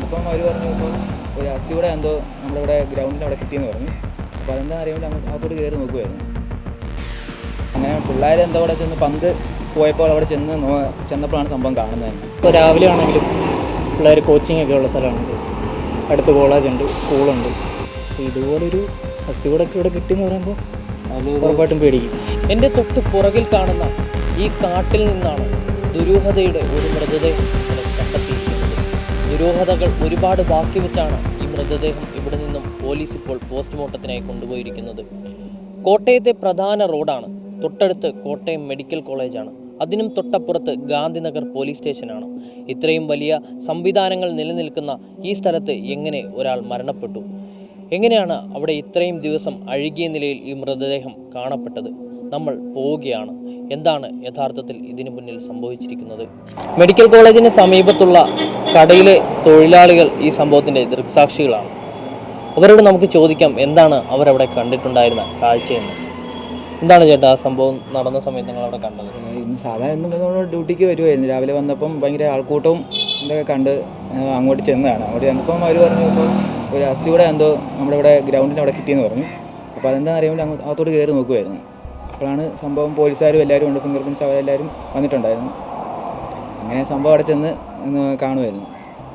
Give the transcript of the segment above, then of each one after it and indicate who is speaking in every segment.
Speaker 1: വന്നപ്പം അവർ പറഞ്ഞു ഇപ്പോൾ ഒരു അസ്ഥിയുടെ എന്തോ നമ്മുടെ ഇവിടെ ഗ്രൗണ്ടിൻ്റെ അവിടെ കിട്ടിയെന്ന് പറഞ്ഞു. അപ്പോൾ അതെന്താ അറിയാൻ അങ്ങോട്ട് കയറി നോക്കുമായിരുന്നു. അങ്ങനെ പിള്ളേർ എന്താ അവിടെ ചെന്ന് പന്ത് പോയപ്പോൾ അവിടെ ചെന്നപ്പോഴാണ് സംഭവം കാണുന്നത് തന്നെ.
Speaker 2: ഇപ്പോൾ രാവിലെ ആണെങ്കിലും പിള്ളേർ കോച്ചിങ് ഒക്കെ ഉള്ള സ്ഥലമാണിത്. അടുത്ത് കോളേജുണ്ട്, സ്കൂളുണ്ട്. അപ്പോൾ ഇതുപോലൊരു അസ്ഥികൂടൊക്കെ ഇവിടെ കിട്ടിയെന്ന് പറയുമ്പോൾ ഉറപ്പായിട്ടും പേടിക്കും.
Speaker 3: എൻ്റെ തൊട്ട് പുറകിൽ കാണുന്ന ഈ കാട്ടിൽ നിന്നാണ് ദുരൂഹതയുടെ ഒരു മൃതദേഹം കണ്ടെത്തിയിരിക്കുന്നത്. ദുരൂഹതകൾ ഒരുപാട് ബാക്കി വെച്ചാണ് ഈ മൃതദേഹം ഇവിടെ നിന്നും പോലീസ് ഇപ്പോൾ പോസ്റ്റ്മോർട്ടത്തിനായി കൊണ്ടുപോയിരിക്കുന്നത്. കോട്ടയത്തെ പ്രധാന റോഡാണ്, തൊട്ടടുത്ത് കോട്ടയം മെഡിക്കൽ കോളേജാണ്, അതിനും തൊട്ടപ്പുറത്ത് ഗാന്ധിനഗർ പോലീസ് സ്റ്റേഷനാണ്. ഇത്രയും വലിയ സംവിധാനങ്ങൾ നിലനിൽക്കുന്ന ഈ സ്ഥലത്ത് എങ്ങനെ ഒരാൾ മരണപ്പെട്ടു? എങ്ങനെയാണ് അവിടെ ഇത്രയും ദിവസം അഴുകിയ നിലയിൽ ഈ മൃതദേഹം കാണപ്പെട്ടത്? നമ്മൾ പോവുകയാണ്. എന്താണ് യഥാർത്ഥത്തിൽ ഇതിനു മുന്നിൽ സംഭവിച്ചിരിക്കുന്നത്? മെഡിക്കൽ കോളേജിന് സമീപത്തുള്ള കടയിലെ തൊഴിലാളികൾ ഈ സംഭവത്തിൻ്റെ ദൃക്സാക്ഷികളാണ്. അവരോട് നമുക്ക് ചോദിക്കാം എന്താണ് അവരവിടെ കണ്ടിട്ടുണ്ടായിരുന്ന കാഴ്ചയെന്ന്. എന്താണ് ചേട്ടാ ആ സംഭവം നടന്ന സമയത്ത് നിങ്ങൾ അവിടെ കണ്ടത്?
Speaker 1: ഇന്ന് സാധാരണ നമ്മൾ ഡ്യൂട്ടിക്ക് വരുമായിരുന്നു. രാവിലെ വന്നപ്പം ഭയങ്കര ആൾക്കൂട്ടവും ഇതൊക്കെ കണ്ട് അങ്ങോട്ട് ചെന്നതാണ്. അങ്ങോട്ട് ചെന്നപ്പം അവർ പറഞ്ഞു ഇപ്പോൾ ഒരു അസ്ഥിയുടെ എന്തോ നമ്മുടെ ഇവിടെ ഗ്രൗണ്ടിൻ്റെ അവിടെ കിട്ടിയെന്ന് പറഞ്ഞു. അപ്പോൾ അതെന്താ അറിയാൻ അകത്തോട്ട് കയറി നോക്കുമായിരുന്നു. അപ്പോഴാണ് സംഭവം പോലീസുകാരും എല്ലാവരും ഉണ്ട്, ഫിംഗർ പ്രിൻറ്റ്സ് അവരെല്ലാവരും വന്നിട്ടുണ്ടായിരുന്നു. അങ്ങനെ സംഭവം അവിടെ ചെന്ന് കാണുമായിരുന്നു.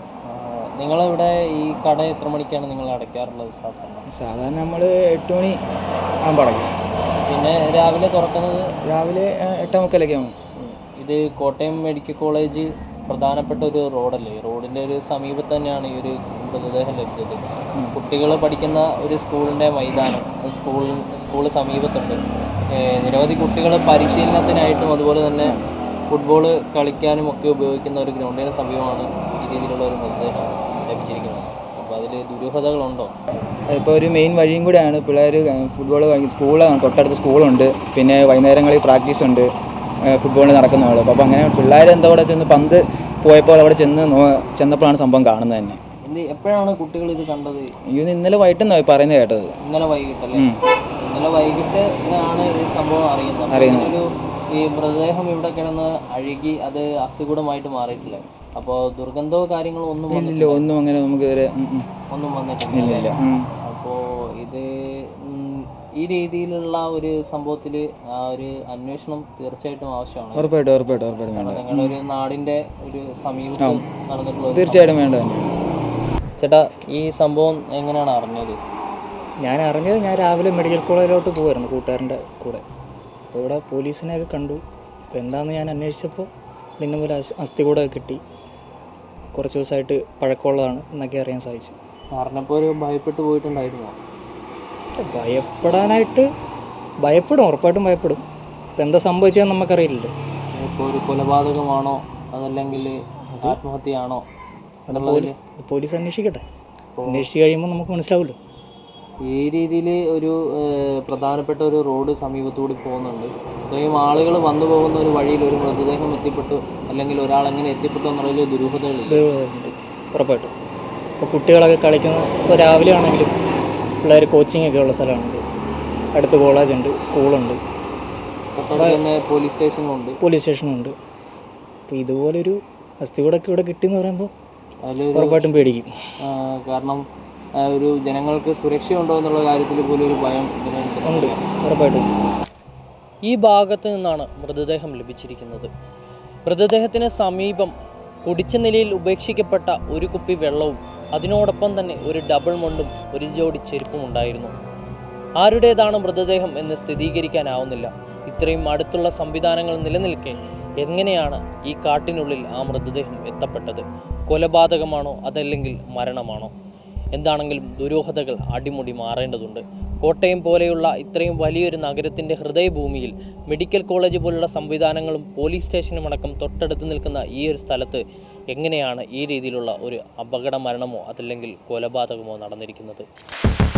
Speaker 3: നിങ്ങളിവിടെ ഈ കട എത്ര മണിക്കാണ് നിങ്ങൾ അടയ്ക്കാറുള്ളത്?
Speaker 1: സാധാരണ നമ്മൾ 8 മണി ആകുമ്പോൾ അടയ്ക്കും.
Speaker 3: പിന്നെ രാവിലെ തുറക്കുന്നത്
Speaker 1: രാവിലെ 8:45 ആകും.
Speaker 3: ഇത് കോട്ടയം മെഡിക്കൽ കോളേജ് പ്രധാനപ്പെട്ട ഒരു റോഡല്ലേ? റോഡിൻ്റെ ഒരു സമീപത്ത് തന്നെയാണ് ഈ ഒരു മൃതദേഹം ലഭിച്ചത്. കുട്ടികൾ പഠിക്കുന്ന ഒരു സ്കൂളിൻ്റെ മൈതാനം, സ്കൂൾ സമീപത്തുണ്ട്. നിരവധി കുട്ടികൾ പരിശീലനത്തിനായിട്ടും അതുപോലെ തന്നെ ഫുട്ബോൾ കളിക്കാനും ഒക്കെ ഉപയോഗിക്കുന്ന ഒരു ഗ്രൗണ്ടിന് സമീപമാണ് ഈ രീതിയിലുള്ള ഒരു മൃതദേഹം ലഭിച്ചിരിക്കുന്നത്. അപ്പോൾ അതിൽ ദുരൂഹതകളുണ്ടോ?
Speaker 1: ഇപ്പോൾ ഒരു മെയിൻ വഴിയും കൂടെയാണ്. പിള്ളേർ ഫുട്ബോൾ സ്കൂളാണ്, തൊട്ടടുത്ത് സ്കൂളുണ്ട്, പിന്നെ വൈകുന്നേരങ്ങളിൽ പ്രാക്ടീസ് ഉണ്ട്, ഫുട്ബോളിൽ നടക്കുന്നതാണ്. അപ്പോൾ അങ്ങനെ പിള്ളേർ എന്താ അവിടെ ചെന്ന് പന്ത് പോയപ്പോൾ അവിടെ ചെന്നപ്പോഴാണ് സംഭവം കാണുന്നത് തന്നെ.
Speaker 3: എപ്പോഴാണ് കുട്ടികൾ ഇത് കണ്ടത്?
Speaker 1: ഇന്നലെ വൈകിട്ടെന്നാണ് പറയുന്നത് കേട്ടത്.
Speaker 3: ഇന്നലെ വൈകിട്ടല്ലേ? ഇന്നലെ വൈകിട്ട് ആണ് ഈ സംഭവം അറിയുന്നത്. ഈ മൃതദേഹം ഇവിടെ കിടന്ന് അഴുകി അത് അസ്ഥികൂടമായിട്ട് മാറിയിട്ടില്ല. അപ്പോൾ ദുർഗന്ധമോ കാര്യങ്ങളോ ഒന്നും
Speaker 1: അങ്ങനെ നമുക്ക്
Speaker 3: ഒന്നും വന്നിട്ടില്ല. അപ്പോൾ ഇത് ഈ രീതിയിലുള്ള ഒരു സംഭവത്തിൽ ആ ഒരു അന്വേഷണം തീർച്ചയായിട്ടും ആവശ്യമാണ്.
Speaker 1: ഉറപ്പായിട്ടും
Speaker 3: നിങ്ങളുടെ ഒരു നാടിൻ്റെ ഒരു സമീപത്ത് നടന്നിട്ടുള്ള
Speaker 1: തീർച്ചയായിട്ടും വേണ്ട.
Speaker 3: ചേട്ടാ ഈ സംഭവം എങ്ങനെയാണ് അറിഞ്ഞത്?
Speaker 2: ഞാൻ രാവിലെ മെഡിക്കൽ കോളേജിലോട്ട് പോകുമായിരുന്നു കൂട്ടുകാരൻ്റെ കൂടെ. അപ്പോൾ ഇവിടെ പോലീസിനെയൊക്കെ കണ്ടു. അപ്പോൾ എന്താണെന്ന് ഞാൻ അന്വേഷിച്ചപ്പോൾ ഇന്ന പോലെ അസ്ഥികൂടം കിട്ടി, കുറച്ച് ദിവസമായിട്ട് പഴക്കമുള്ളതാണ് എന്നൊക്കെ അറിയാൻ സാധിച്ചു.
Speaker 3: പറഞ്ഞപ്പോൾ ഒരു ഭയപ്പെട്ടു പോയിട്ടുണ്ടായിരുന്നോ?
Speaker 2: ഭയപ്പെടും, ഉറപ്പായിട്ടും ഭയപ്പെടും. ഇപ്പം എന്താ സംഭവിച്ചതെന്ന് നമുക്കറിയില്ലല്ലോ.
Speaker 3: ഇപ്പോൾ ഒരു കൊലപാതകമാണോ അതല്ലെങ്കിൽ ആത്മഹത്യയാണോ?
Speaker 2: പോലീസ് അന്വേഷിക്കട്ടെ. അന്വേഷിച്ച് കഴിയുമ്പോൾ നമുക്ക് മനസ്സിലാവുമല്ലോ.
Speaker 3: ഈ രീതിയിൽ ഒരു പ്രധാനപ്പെട്ട ഒരു റോഡ് സമീപത്തുകൂടി പോകുന്നുണ്ട്. ഇത്രയും ആളുകൾ വന്നു പോകുന്ന ഒരു വഴിയിൽ ഒരു മൃതദേഹം എത്തിപ്പെട്ടു അല്ലെങ്കിൽ ഒരാൾ എങ്ങനെ എത്തിപ്പെട്ടു എന്നുള്ളതിൽ ദുരൂഹതകളുണ്ട്.
Speaker 2: ഉറപ്പായിട്ടും. ഇപ്പോൾ കുട്ടികളൊക്കെ കളിക്കുന്ന, ഇപ്പോൾ രാവിലെ ആണെങ്കിലും പിള്ളേർ കോച്ചിങ് ഒക്കെ ഉള്ള സ്ഥലമാണിത്. അടുത്ത് കോളേജുണ്ട്, സ്കൂളുണ്ട്,
Speaker 3: തന്നെ പോലീസ്
Speaker 2: സ്റ്റേഷനുണ്ട്. അപ്പോൾ ഇതുപോലൊരു അസ്ഥികൂടൊക്കെ ഇവിടെ കിട്ടിയെന്ന് പറയുമ്പോൾ ഉറപ്പായിട്ടും പേടിക്കും.
Speaker 3: കാരണം ഒരു ജനങ്ങൾക്ക് സുരക്ഷയുണ്ടോ എന്നുള്ള കാര്യത്തിൽ പോലും ഒരു ഭയം
Speaker 2: ഉണ്ട്, ഉറപ്പായിട്ടും.
Speaker 3: ഈ ഭാഗത്ത് നിന്നാണ് മൃതദേഹം ലഭിച്ചിരിക്കുന്നത്. മൃതദേഹത്തിന് സമീപം കുടിച്ച നിലയിൽ ഉപേക്ഷിക്കപ്പെട്ട ഒരു കുപ്പി വെള്ളവും അതിനോടൊപ്പം തന്നെ ഒരു ഡബിൾ മുണ്ടും ഒരു ജോഡി ചെരുപ്പും ഉണ്ടായിരുന്നു. ആരുടേതാണ് മൃതദേഹം എന്ന് സ്ഥിരീകരിക്കാനാവുന്നില്ല. ഇത്രയും അടുത്തുള്ള സംവിധാനങ്ങൾ നിലനിൽക്കെ എങ്ങനെയാണ് ഈ കാട്ടിനുള്ളിൽ ആ മൃതദേഹം എത്തപ്പെട്ടത്? കൊലപാതകമാണോ അതല്ലെങ്കിൽ മരണമാണോ? എന്താണെങ്കിലും ദുരൂഹതകൾ അടിമുടി മാറേണ്ടതുണ്ട്. കോട്ടയം പോലെയുള്ള ഇത്രയും വലിയൊരു നഗരത്തിൻ്റെ ഹൃദയഭൂമിയിൽ മെഡിക്കൽ കോളേജ് പോലുള്ള സംവിധാനങ്ങളും പോലീസ് സ്റ്റേഷനും അടക്കം തൊട്ടടുത്ത് നിൽക്കുന്ന ഈ ഒരു സ്ഥലത്ത് എങ്ങനെയാണ് ഈ രീതിയിലുള്ള ഒരു അപകട മരണമോ അതല്ലെങ്കിൽ കൊലപാതകമോ നടന്നിരിക്കുന്നത്?